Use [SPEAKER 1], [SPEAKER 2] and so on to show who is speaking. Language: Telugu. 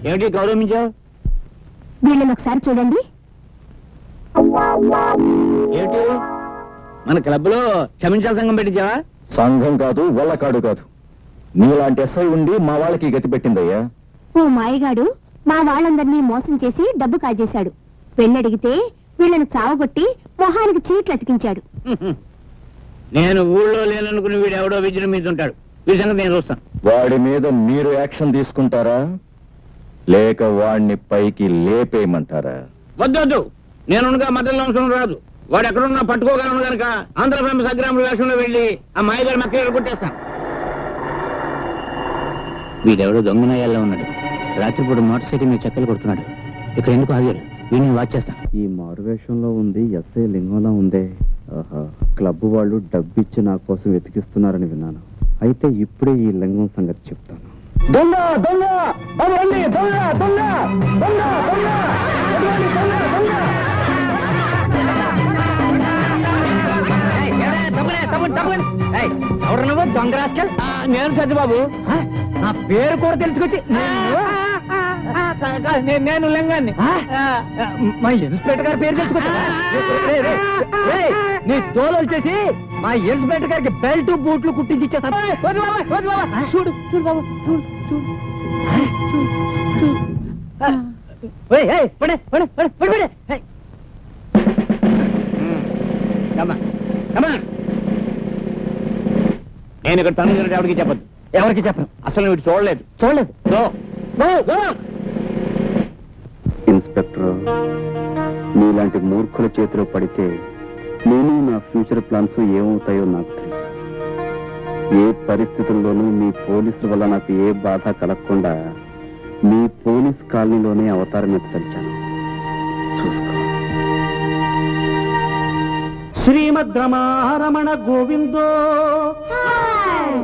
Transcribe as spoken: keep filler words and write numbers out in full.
[SPEAKER 1] ఏమిటి గౌరవించావు?
[SPEAKER 2] వీళ్ళని ఒకసారి చూడండి.
[SPEAKER 1] ఏమిటి మన క్లబ్ లో క్షమించాల సంఘం పెట్టించావా?
[SPEAKER 3] సంఘం కాదు, వల్లకాడు కాదు. నీలాంటి ఎస్ఐ ఉండి మా వాళ్ళకి గతి పెట్టిందయ్యా.
[SPEAKER 2] ఓ మాయగాడు మా వాళ్ళందరినీ మోసం చేసి డబ్బు కాజేశాడు. పెళ్ళడిగితే వీళ్ళని చావగొట్టి మొహానికి చీట్లు అతికించాడు.
[SPEAKER 1] నేను ఊళ్ళో లేననుకుని వీడు ఎవడో విజయం మీద ఉంటాడు. వీడి సంగతి నేను చూస్తాను.
[SPEAKER 3] వాడి మీద మీరు యాక్షన్ తీసుకుంటారా లేక వాడిని పైకి లేపేయమంటారా?
[SPEAKER 1] వద్దొద్దు, నేనుగా మధ్యలో అవసరం రాదు. వాడు ఎక్కడున్నా పట్టుకోగలను కనుక ఆంధ్ర ఫేమస్ అగ్రాముల వేషంలో వెళ్ళి ఆ మాయగారి మక్కలు కొట్టేస్తాను. వీడెవడో దొంగనయ్యాల్లో ఉన్నాడు. రాత్రిపూట మోటార్ సైకిల్ మీద చెక్కలు కొడుతున్నాడు. ఇక్కడ ఎందుకు ఆగాడు? వీడిని వాచ్ చేస్తాను.
[SPEAKER 4] ఈ మారువేషంలో ఉంది ఎస్ఐ లింగంలా ఉందే. ఆహా, క్లబ్ వాళ్ళు డబ్బిచ్చి నా కోసం వెతికిస్తున్నారని విన్నాను. అయితే ఇప్పుడే ఈ లింగం సంగతి చెప్తాను.
[SPEAKER 3] దొంగ దొంగ దొంగ దొంగ దొంగ దొంగ
[SPEAKER 1] ఎవరు నువ్వు దొంగ రాస్కల్? నేను సత్యబాబు. నా పేరు కూడా తెలుసుకొచ్చి నేను లింగాన్ని. మా ఇన్స్పెక్టర్ గారి పేరు తెలుసుకొచ్చి నీ తోలు వచ్చేసి మా ఇన్స్పెక్టర్ గారికి బెల్ట్ బూట్లు కుట్టించి ఇచ్చేస్తాను. చూడు చూడు బాబు, చూడు చూడు పడే పడే పడే పడే. నేను ఇక్కడ తను ఎవరికి చెప్పదు. ఎవరికి చెప్పను. అసలు వీడు చూడలేదు చూడలేదు
[SPEAKER 4] ఇన్స్పెక్టర్, నీలాంటి మూర్ఖుల చేతిలో పడితే నేను నా ఫ్యూచర్ ప్లాన్స్ ఏమవుతాయో నాకు తెలుసు. ఏ పరిస్థితుల్లోనూ మీ పోలీసుల వల్ల నాకు ఏ బాధ కలగకుండా మీ పోలీస్ కాలనీలోనే అవతారం ఎత్తించాను. చూసుకో.
[SPEAKER 1] శ్రీమద్ రమణ గోవిందో